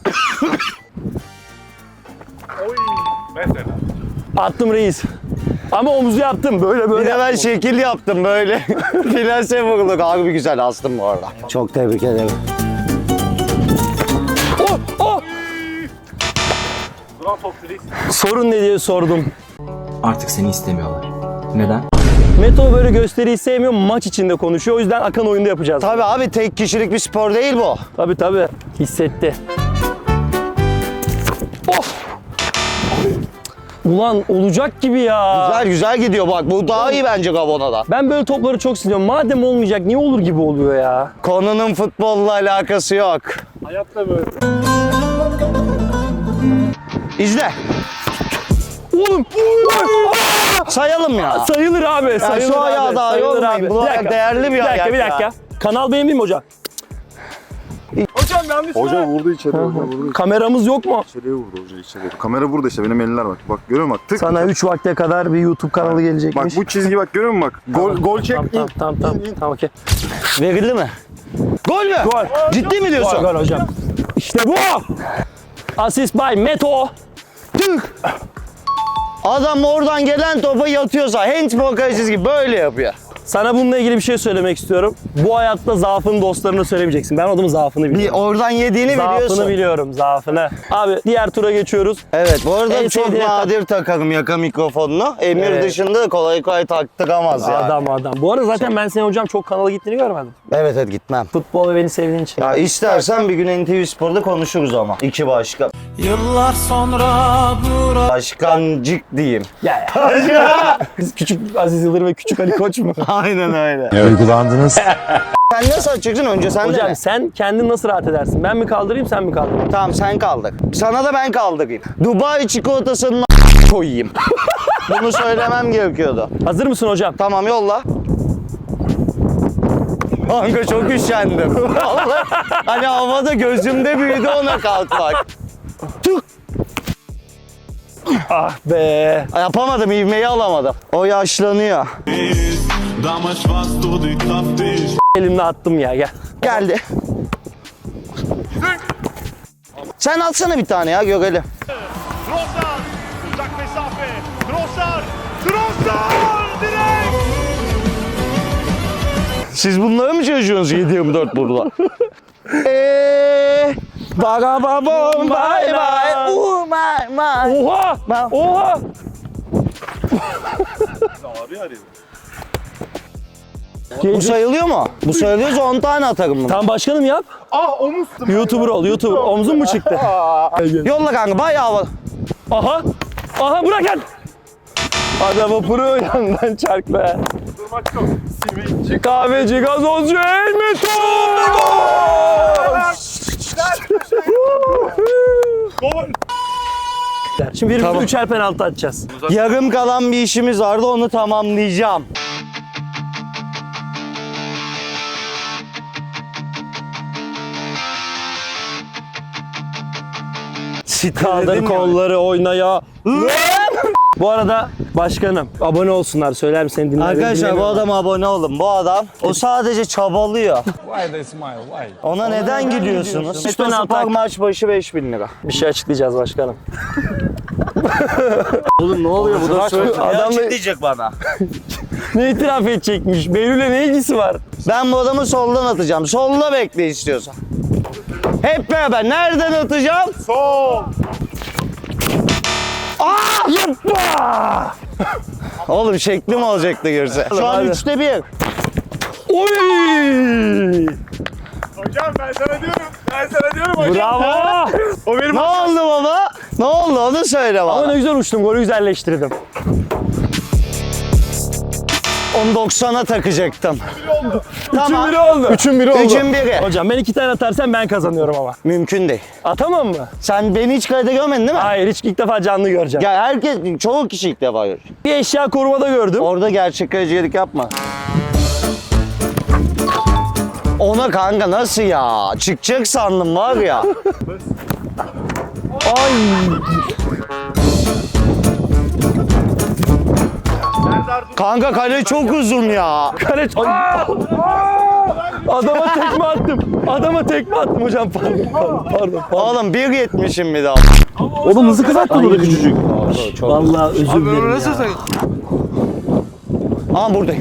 [SPEAKER 3] Mesela.
[SPEAKER 1] Attım reis. Ama omuzu yaptım böyle böyle.
[SPEAKER 2] Bir de ben
[SPEAKER 1] yaptım.
[SPEAKER 2] şekil yaptım böyle. Finalse vurulduk. Harbi güzel astım bu arada. Çok tebrik ederim.
[SPEAKER 1] Oh, oh.
[SPEAKER 3] Duran top reis.
[SPEAKER 1] Sorun ne diye sordum.
[SPEAKER 4] Artık seni istemiyorlar. Neden?
[SPEAKER 1] Meto böyle gösteriyi sevmiyor, maç içinde konuşuyor. O yüzden akan oyunda yapacağız.
[SPEAKER 2] Tabii abi tek kişilik bir spor değil bu.
[SPEAKER 1] Tabii tabii. Hissetti. Of! Ulan olacak gibi ya.
[SPEAKER 2] Güzel güzel gidiyor bak. Bu daha iyi bence Gabona'da.
[SPEAKER 1] Ben böyle topları çok seviyorum. Madem olmayacak niye olur gibi oluyor ya.
[SPEAKER 2] Konunun futbolla alakası yok.
[SPEAKER 3] Hayatta böyle.
[SPEAKER 2] İzle.
[SPEAKER 1] Oğlum!
[SPEAKER 2] Sayalım ya.
[SPEAKER 1] Sayılır abi. Sayılır
[SPEAKER 2] şu
[SPEAKER 1] abi.
[SPEAKER 2] ayağı daha
[SPEAKER 1] sayılır
[SPEAKER 2] yormayın.
[SPEAKER 1] abi.
[SPEAKER 2] Bu
[SPEAKER 1] Bir
[SPEAKER 2] ayak
[SPEAKER 1] dakika.
[SPEAKER 2] değerli bir
[SPEAKER 1] Bir dakika,
[SPEAKER 2] ayak
[SPEAKER 1] bir
[SPEAKER 2] ya.
[SPEAKER 1] dakika. Kanal beğenmeyeyim mi hocam?
[SPEAKER 3] Hocam yanlış
[SPEAKER 7] Hoca vurdu içeri, hoca vurdu.
[SPEAKER 1] Kameramız yok mu?
[SPEAKER 7] İçeriye vurdu hoca içeriye. Kamera burada işte, benim eller bak. Bak görüyor musun bak, tık.
[SPEAKER 1] Sana üç vakte kadar bir YouTube kanalı
[SPEAKER 7] Bak
[SPEAKER 1] gelecekmiş.
[SPEAKER 7] bu çizgi bak, görüyor musun bak. Gol, gol çek.
[SPEAKER 1] Tamam tamam tamam tamam. Tamam okey.
[SPEAKER 2] Verildi mi? Gol mü?
[SPEAKER 1] Gol.
[SPEAKER 2] Ciddi mi diyorsun?
[SPEAKER 1] Gol gol hocam. İşte bu. Asist by Meto.
[SPEAKER 2] Tüh! Adam oradan gelen topa yatıyorsa handball kalecisi gibi böyle yapıyor.
[SPEAKER 1] Sana bununla ilgili bir şey söylemek istiyorum. Bu hayatta zaafını dostlarına söylemeyeceksin. Ben adamın zaafını
[SPEAKER 2] Bir
[SPEAKER 1] biliyorum.
[SPEAKER 2] oradan yediğini
[SPEAKER 1] Zaafını
[SPEAKER 2] biliyorsun.
[SPEAKER 1] biliyorum, zaafını. Abi diğer tura geçiyoruz.
[SPEAKER 2] Evet bu arada
[SPEAKER 1] En
[SPEAKER 2] çok
[SPEAKER 1] sevdiğin
[SPEAKER 2] nadir takarım yaka mikrofonunu. Emir
[SPEAKER 1] Evet.
[SPEAKER 2] dışında kolay kolay taktıramaz yani.
[SPEAKER 1] Adam adam. Bu arada zaten ben senin hocam çok kanala gittiğini görmedim.
[SPEAKER 2] Evet evet gitmem.
[SPEAKER 1] Futbol ve beni sevdiğin için.
[SPEAKER 2] Ya istersen bir gün N T V Spor'da konuşuruz ama. İki başkan.
[SPEAKER 5] Yıllar sonra bura
[SPEAKER 2] Başkancık diyeyim.
[SPEAKER 1] Ya ya. Biz küçük Aziz Yıldırım ve küçük Ali Koç mu?
[SPEAKER 2] Aynen öyle.
[SPEAKER 7] Uygulandınız.
[SPEAKER 2] Sen nasıl açacaksın önce sen de
[SPEAKER 1] Hocam
[SPEAKER 2] mi?
[SPEAKER 1] sen kendin nasıl rahat edersin? Ben mi kaldırayım sen mi kaldırayım?
[SPEAKER 2] Tamam sen kaldır. Sana da ben kaldırayım. Dubai çikolatasının koyayım. Bunu söylemem gerekiyordu.
[SPEAKER 1] Hazır mısın hocam?
[SPEAKER 2] Tamam yolla. Kanka çok üşendim. Vallahi hani havada gözümde büyüdü ona kalkmak. Tık.
[SPEAKER 1] Ah be.
[SPEAKER 2] Yapamadım, ivmeyi alamadım. O yaşlanıyor.
[SPEAKER 1] Elimle attım ya gel.
[SPEAKER 2] Geldi. Sen atsana bir tane ya görelim.
[SPEAKER 5] Trossard uzak mesafe. Trossard. Trossard direkt.
[SPEAKER 2] Siz bunları mı çalışıyorsunuz yedi yirmi dört burada? Eee Baga babom bay bay. Uh my my.
[SPEAKER 1] Oha!
[SPEAKER 2] Ben-
[SPEAKER 1] Oha!
[SPEAKER 3] Abi arıyor.
[SPEAKER 2] Bu sayılıyor mu? Bu sayılıyorsa on tane atarım bunu.
[SPEAKER 1] Tamam başkanım yap.
[SPEAKER 3] Ah omuz.
[SPEAKER 1] YouTuber ol, YouTuber. Omzun mu çıktı?
[SPEAKER 2] Yolla kanka bayağı havalı.
[SPEAKER 1] Aha! Aha bırak lan! Hadi vapuru yandan çarkla.
[SPEAKER 3] Durmak yok. Simitçi.
[SPEAKER 1] Kahveci, gazozcu, Elmeto!
[SPEAKER 3] Gol.
[SPEAKER 1] Şimdi birbirimize
[SPEAKER 2] Tamam.
[SPEAKER 1] üçer penaltı atacağız.
[SPEAKER 2] Yarım kalan bir işimiz vardı onu tamamlayacağım.
[SPEAKER 1] Kaldır kolları oynaya. Bu arada başkanım abone olsunlar söyler misin? Seni dinler,
[SPEAKER 2] Arkadaşlar bu
[SPEAKER 1] dinlemiyorum.
[SPEAKER 2] adama abone olun. Bu adam o sadece çabalıyor. Ona neden gülüyorsunuz?
[SPEAKER 1] Üç tane
[SPEAKER 2] Spor
[SPEAKER 1] atak.
[SPEAKER 2] maç başı beş bin lira.
[SPEAKER 1] Bir şey açıklayacağız başkanım.
[SPEAKER 2] Oğlum ne oluyor bu da söyle.
[SPEAKER 1] Adam da-
[SPEAKER 2] diyecek bana.
[SPEAKER 1] Ne itiraf edecekmiş? Behlül'e ne ilgisi var?
[SPEAKER 2] Ben bu adamı soldan atacağım. Solla bekle istiyorsan. Hep beraber nereden atacağım?
[SPEAKER 3] Sol.
[SPEAKER 1] Aa! Yapma!
[SPEAKER 2] Oğlum şeklim olacaktı görse. Şu an
[SPEAKER 1] Hadi.
[SPEAKER 2] üçte bir.
[SPEAKER 1] Oy!
[SPEAKER 3] Hocam ben sana diyorum. Ben sana diyorum hocam.
[SPEAKER 1] Bravo!
[SPEAKER 3] O benim
[SPEAKER 2] Ne oldu baba? Ne oldu onu söyle
[SPEAKER 1] Ama
[SPEAKER 2] bana.
[SPEAKER 1] ne güzel uçtum, golü güzelleştirdim.
[SPEAKER 2] Onu doksana takacaktım.
[SPEAKER 1] Üçün
[SPEAKER 2] Tamam.
[SPEAKER 1] biri oldu.
[SPEAKER 7] Üçün biri oldu.
[SPEAKER 2] Üçün biri.
[SPEAKER 1] Hocam ben iki tane atarsam ben kazanıyorum ama.
[SPEAKER 2] Mümkün değil.
[SPEAKER 1] Atamam mı?
[SPEAKER 2] Sen beni hiç kayda görmedin değil mi?
[SPEAKER 1] Hayır, hiç ilk defa canlı göreceğim.
[SPEAKER 2] Ya herkes, çoğu kişi ilk defa görüyor.
[SPEAKER 1] Bir eşya korumada gördüm.
[SPEAKER 2] Orada gerçek kalecilik yapma. Ona kanka nasıl ya? Çıkacak sandım var ya.
[SPEAKER 1] Ay.
[SPEAKER 2] Kanka kale çok uzun ya.
[SPEAKER 1] Kale... Ay. Adama tekme attım. Adama tekme attım hocam. Pardon, pardon, pardon. pardon.
[SPEAKER 2] Oğlum bir yetmişim bir daha.
[SPEAKER 1] Oğlum hızlı kızarttı burada küçücük. Vallahi özür dilerim ya.
[SPEAKER 2] Ama buradayım.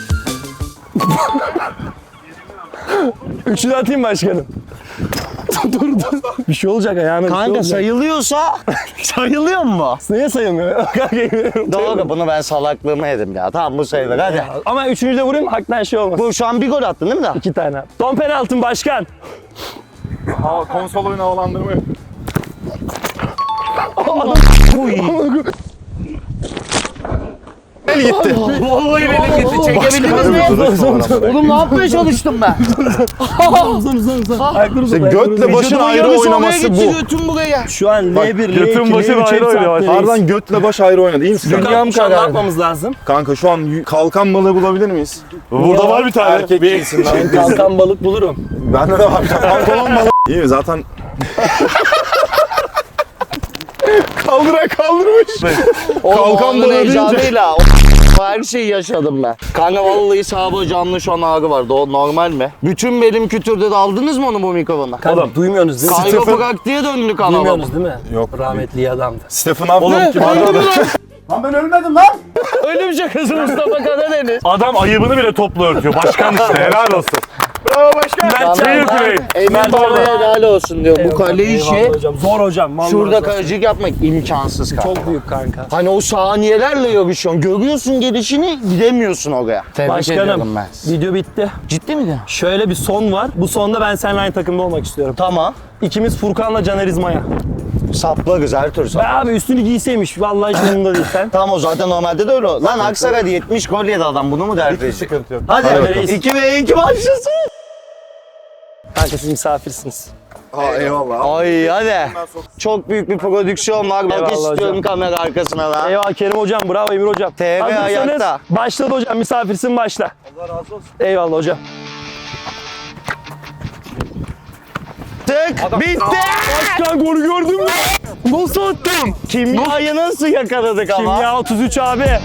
[SPEAKER 1] Üçünü atayım başkanım. dur dur. Bir şey olacak ayağına. bir şey
[SPEAKER 2] Kanka
[SPEAKER 1] olacak.
[SPEAKER 2] sayılıyorsa sayılıyor mu?
[SPEAKER 1] Neye sayılmıyor? Kanka,
[SPEAKER 2] Doğru, bunu ben salaklığımı yedim ya. Tamam bu sayılır hadi.
[SPEAKER 1] Ama üçüncü de vurayım, haktan şey olmaz.
[SPEAKER 2] Bu şu an bir gol attın değil mi daha?
[SPEAKER 1] İki tane. Son penaltın başkan.
[SPEAKER 7] Hava, konsol oyunu havalandırma yok. El gitti.
[SPEAKER 2] Vallahi benim gitti. Çekebildiniz mi? Oğlum ne yapmaya çalıştım ben?
[SPEAKER 1] Uzun uzun uzun. Ayakları
[SPEAKER 7] İşte
[SPEAKER 1] uzun.
[SPEAKER 7] götle başın
[SPEAKER 2] Vücudumun
[SPEAKER 7] ayrı
[SPEAKER 2] yarısı
[SPEAKER 7] oynaması
[SPEAKER 2] oraya gitti,
[SPEAKER 7] bu.
[SPEAKER 2] götüm buraya.
[SPEAKER 1] Şu an L bir, L iki,
[SPEAKER 7] götün
[SPEAKER 1] L
[SPEAKER 7] başı
[SPEAKER 1] üç
[SPEAKER 7] ayrı oynuyor.
[SPEAKER 1] hepsi
[SPEAKER 7] Harbiden götle baş ayrı oynadı. İyi misin?
[SPEAKER 2] Dünyam
[SPEAKER 1] Şu an ne
[SPEAKER 2] kadar.
[SPEAKER 1] yapmamız lazım?
[SPEAKER 7] Kanka şu an y- kalkan balığı bulabilir miyiz?
[SPEAKER 3] Burada var bir tane.
[SPEAKER 7] Erkek cinsinden.
[SPEAKER 1] Ben kalkan balık bulurum.
[SPEAKER 7] Bende de var. Pantolon balığı. İyi mi? Zaten kaldıra kaldırmış.
[SPEAKER 2] Kalkan
[SPEAKER 7] balığı
[SPEAKER 2] balığı
[SPEAKER 7] deyince-
[SPEAKER 2] heyecanıyla o- her şeyi yaşadım ben. Kanka vallahi sağ canlı şu an ağrı var. O normal mi? Bütün belim kütürdü de aldınız mı onu bu mikrofona?
[SPEAKER 1] Kanka duymuyorsunuz değil mi?
[SPEAKER 2] Kayroprak diye döndük ama.
[SPEAKER 1] Duymuyorsunuz değil mi?
[SPEAKER 7] Yok.
[SPEAKER 1] Rahmetli iyi adamdı.
[SPEAKER 7] Stephen Hawking
[SPEAKER 2] Oğlum
[SPEAKER 7] gibi arada.
[SPEAKER 3] Lan ben ölmedim lan.
[SPEAKER 2] Ölüm şakası Mustafa Karadeniz.
[SPEAKER 3] Adam ayıbını bile topla örtüyor. Başkan işte helal olsun. Bravo başkan.
[SPEAKER 1] Mert
[SPEAKER 3] Fair
[SPEAKER 1] Can-
[SPEAKER 3] play.
[SPEAKER 2] Emin Baba'ya helal olsun diyor. Bu kale işi
[SPEAKER 1] Eyvallah hocam. Zor hocam. vallahi
[SPEAKER 2] şurada
[SPEAKER 1] zor.
[SPEAKER 2] kalecilik yapmak imkansız kanka.
[SPEAKER 1] Çok büyük kanka.
[SPEAKER 2] Hani o saniyelerle yarışıyorsun. Görüyorsun gelişini, gidemiyorsun oraya. Tebrik ediyorum
[SPEAKER 1] Başkanım,
[SPEAKER 2] ben.
[SPEAKER 1] video bitti.
[SPEAKER 2] Ciddi mi diyorsun?
[SPEAKER 1] Şöyle bir son var. Bu sonda ben seninle aynı takımda olmak istiyorum.
[SPEAKER 2] Tamam.
[SPEAKER 1] İkimiz Furkan'la Caner İzmaya.
[SPEAKER 2] Saplarız her tür
[SPEAKER 1] Be
[SPEAKER 2] saplarız.
[SPEAKER 1] abi üstünü giyseymiş. Vallahi hiç umurumda değil sen.
[SPEAKER 2] Tamam o zaten normalde de öyle. Lan Aksaray'da yetmiş gol yedi adam, bunu mu dert edecek?
[SPEAKER 7] Sıkıntı yok.
[SPEAKER 2] Hadi,
[SPEAKER 1] Hadi
[SPEAKER 2] hadi
[SPEAKER 1] reis.
[SPEAKER 2] iki ve iki başlasın.
[SPEAKER 1] Kanka siz misafirsiniz.
[SPEAKER 7] Ha eyvallah.
[SPEAKER 2] Ay hadi. Çok büyük bir prodüksiyon var. Bak
[SPEAKER 1] Eyvallah
[SPEAKER 2] istiyorum
[SPEAKER 1] hocam.
[SPEAKER 2] kamera arkasına da.
[SPEAKER 1] Eyvallah Kerim hocam. Bravo Emir hocam.
[SPEAKER 2] T V
[SPEAKER 1] Hazırsanız
[SPEAKER 2] ayakta.
[SPEAKER 1] başladı hocam. Misafirsin başla. Allah razı olsun. Eyvallah hocam.
[SPEAKER 2] Tık bitti.
[SPEAKER 1] Başkan golü gördün mü? Nasıl attım?
[SPEAKER 2] Kimyayı nasıl yakaladık ama?
[SPEAKER 1] Kimya otuz üç abi.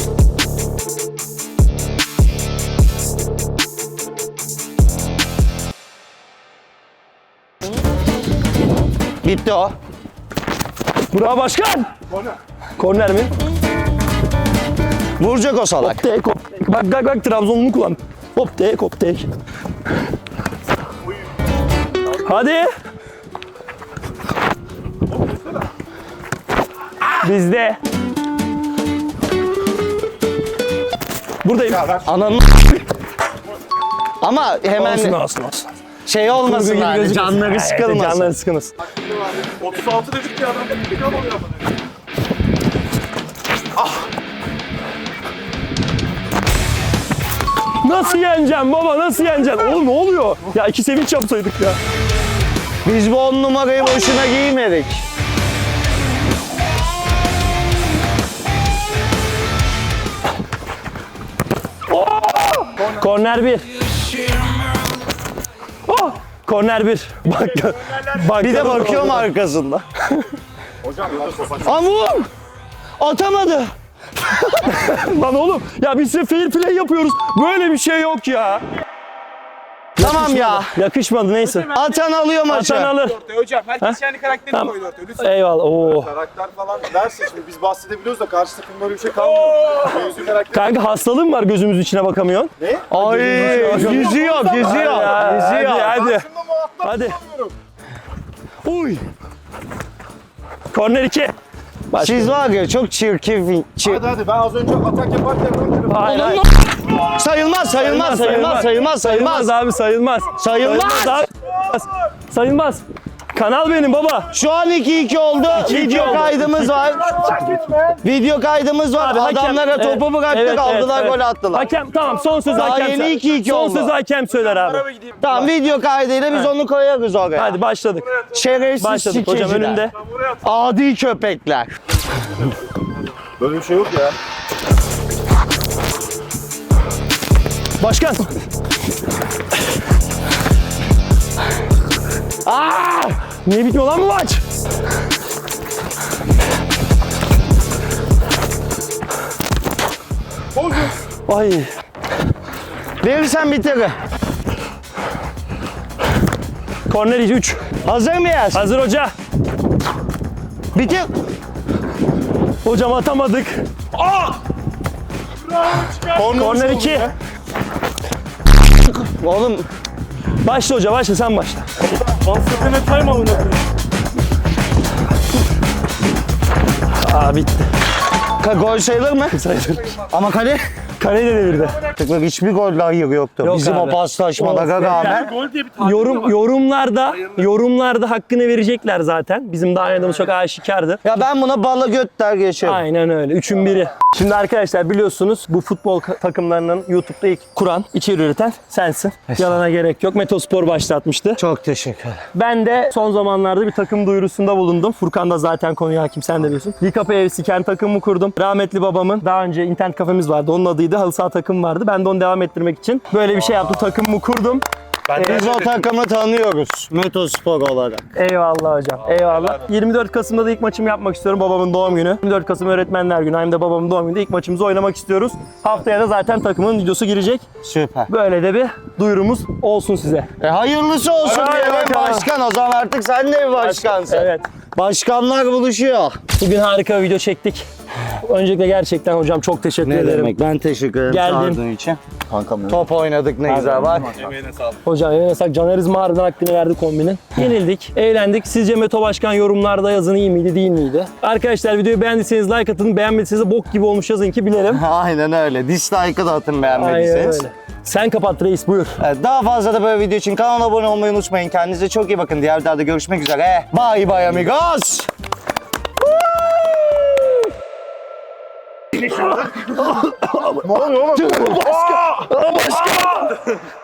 [SPEAKER 2] Bitti o.
[SPEAKER 1] Bravo başkan. Korner. Korner mi?
[SPEAKER 2] Vuracak o salak.
[SPEAKER 1] Hop tek hop tek. Bak bak bak Trabzon'unu kullan. Hop tek hop tek. Hadi. Bizde. Buradayım.
[SPEAKER 2] Ananı ama hemen
[SPEAKER 1] Olsun olsun olsun.
[SPEAKER 2] şey olmasın
[SPEAKER 1] Kurgu gibi
[SPEAKER 2] yani
[SPEAKER 1] gözükmesin.
[SPEAKER 2] canları
[SPEAKER 1] Evet,
[SPEAKER 2] sıkılmasın.
[SPEAKER 1] Canları sıkılmasın.
[SPEAKER 3] otuz altı dedik ya adam. İntikam alıyor ama.
[SPEAKER 1] Nasıl yeneceğim baba nasıl yeneceğim? Oğlum ne oluyor? Ya iki sevinç yapsaydık ya.
[SPEAKER 2] Biz bu on numarayı boşuna giymedik.
[SPEAKER 1] Korner bir. Oh! Korner bir. Bak. Bak.
[SPEAKER 2] Bir de bakıyorum arkasında. Hocam vur! Atamadı.
[SPEAKER 1] Lan oğlum ya biz size fair play yapıyoruz. Böyle bir şey yok ya.
[SPEAKER 2] Tamam ya.
[SPEAKER 1] Yakışmadı neyse.
[SPEAKER 2] Atan alıyor maçı.
[SPEAKER 1] Atan alır.
[SPEAKER 3] Hocam herkes kendi karakterini
[SPEAKER 1] Tamam.
[SPEAKER 3] koydu ortaya. Lütfen.
[SPEAKER 1] Eyvallah. Oo.
[SPEAKER 7] Karakter falan dersin şimdi biz bahsedebiliyoruz da karşı takımda böyle bir şey kalmıyor. Mevzu karakter.
[SPEAKER 1] Kanka hastalığın var gözümüz içine bakamıyorsun.
[SPEAKER 2] Ay yüzüyor, yüzüyor,
[SPEAKER 1] Ya,
[SPEAKER 2] yüzüyor.
[SPEAKER 1] Hadi hadi. Hadi. Uy. Korner iki. Başka.
[SPEAKER 2] Siz var ya çok çirkin. Çir...
[SPEAKER 7] Hadi hadi ben az önce atak yaparken
[SPEAKER 1] Hayır, hayır.
[SPEAKER 2] Sayılmaz, sayılmaz, sayılmaz, sayılmaz, sayılmaz.
[SPEAKER 1] Sayılmaz abi sayılmaz.
[SPEAKER 2] Sayılmaz.
[SPEAKER 1] abi. Sayılmaz. Kanal benim baba.
[SPEAKER 2] Şu an iki iki oldu.
[SPEAKER 1] iki iki
[SPEAKER 2] Video
[SPEAKER 1] oldu.
[SPEAKER 2] kaydımız var. Video kaydımız var.
[SPEAKER 1] Abi hakem-
[SPEAKER 2] Adamlara
[SPEAKER 1] evet,
[SPEAKER 2] topu bıraktık,
[SPEAKER 1] evet,
[SPEAKER 2] aldılar,
[SPEAKER 1] evet,
[SPEAKER 2] gol
[SPEAKER 1] evet.
[SPEAKER 2] attılar.
[SPEAKER 1] Hakem tamam, son söz
[SPEAKER 2] Daha
[SPEAKER 1] hakem.
[SPEAKER 2] yeni
[SPEAKER 1] söyler.
[SPEAKER 2] iki iki
[SPEAKER 1] Son
[SPEAKER 2] oldu.
[SPEAKER 1] söz hakem söyler abi.
[SPEAKER 2] Tamam, video kaydıyla biz onu koyarız oraya.
[SPEAKER 1] Hadi başladık.
[SPEAKER 2] Şerefsiz
[SPEAKER 1] Başladık hocam,
[SPEAKER 2] sikeciler.
[SPEAKER 1] önünde.
[SPEAKER 2] Adi köpekler.
[SPEAKER 7] Böyle bir şey yok ya.
[SPEAKER 1] Başkan. Aa! Niye bitmiyor lan bu maç? Ay.
[SPEAKER 2] Verirsen bitirir.
[SPEAKER 1] Korner üç.
[SPEAKER 2] Hazır mıyız?
[SPEAKER 1] Hazır hoca.
[SPEAKER 2] Bitir.
[SPEAKER 1] Hocam atamadık. Aa! Korner iki.
[SPEAKER 2] Oğlum
[SPEAKER 1] Başla hoca, başla, sen başla.
[SPEAKER 3] Bahsetene time alın.
[SPEAKER 1] Aa, bitti.
[SPEAKER 2] ka- gol sayılır mı?
[SPEAKER 1] Sayılır.
[SPEAKER 2] Ama kale.
[SPEAKER 1] Kaleyi de devirdi.
[SPEAKER 2] Tıkla hiçbir gol hayır yoktu.
[SPEAKER 1] Yok
[SPEAKER 2] Bizim
[SPEAKER 1] abi.
[SPEAKER 2] o paslaşmalara
[SPEAKER 1] Of.
[SPEAKER 2] rağmen.
[SPEAKER 3] Gol diye bir tabir
[SPEAKER 1] Yorum yorumlarda yorumlarda hakkını verecekler zaten. Bizim daha oynadığımız çok aşikardı.
[SPEAKER 2] Ya ben buna bala göt der geçerim.
[SPEAKER 1] Aynen öyle. Üçün biri. Şimdi arkadaşlar biliyorsunuz bu futbol ka- takımlarının YouTube'da ilk kuran, içeri üreten sensin. Yalana gerek yok. Metospor başlatmıştı.
[SPEAKER 2] Çok teşekkür ederim.
[SPEAKER 1] Ben de son zamanlarda bir takım duyurusunda bulundum. Furkan da zaten konuya hakim, sen de biliyorsun. Likapa F C kendi takımımı kurdum. Rahmetli babamın daha önce internet kafemiz vardı. Onun adıydı. Halı saha takım vardı. Ben de onu devam ettirmek için böyle bir şey yaptım. Takımımı kurdum.
[SPEAKER 2] Biz o takımı tanıyoruz. Metospor olarak.
[SPEAKER 1] Eyvallah hocam. Eyvallah. yirmi dört Kasım'da da ilk maçımı yapmak istiyorum. Babamın doğum günü. yirmi dört Kasım Öğretmenler Günü. Hem de babamın doğum gününde ilk maçımızı oynamak istiyoruz. Haftaya da zaten takımın videosu girecek.
[SPEAKER 2] Süper.
[SPEAKER 1] Böyle de bir duyurumuz olsun size.
[SPEAKER 2] E hayırlısı olsun
[SPEAKER 1] Hadi
[SPEAKER 2] diyelim
[SPEAKER 1] bakalım.
[SPEAKER 2] başkan. O zaman artık sen de bir başkansın.
[SPEAKER 1] Evet.
[SPEAKER 2] Başkanlar buluşuyor.
[SPEAKER 1] Bugün harika bir video çektik. Öncelikle gerçekten hocam çok teşekkür
[SPEAKER 2] Ne
[SPEAKER 1] ederim.
[SPEAKER 2] demek? Ben teşekkür ederim
[SPEAKER 1] Geldim.
[SPEAKER 2] çağırdığın için. Top oynadık ne güzel bak.
[SPEAKER 1] Hocam eline sağlık. Caner İzmi harbiden hakkını verdi kombinin. Yenildik, eğlendik. Sizce Meto Başkan yorumlarda yazın iyi miydi, değil miydi? Arkadaşlar videoyu beğendiyseniz like atın. Beğenmediyseniz de bok gibi olmuş yazın ki bilelim.
[SPEAKER 2] Aynen öyle. Dislike'ı da atın
[SPEAKER 1] Aynen
[SPEAKER 2] beğenmediyseniz.
[SPEAKER 1] öyle. Sen kapat reis, buyur.
[SPEAKER 2] Evet, daha fazla da böyle video için kanala abone olmayı unutmayın. Kendinize çok iyi bakın. Diğer videoda görüşmek üzere. Bye bye amigos.
[SPEAKER 3] Ne oluyor oğlum?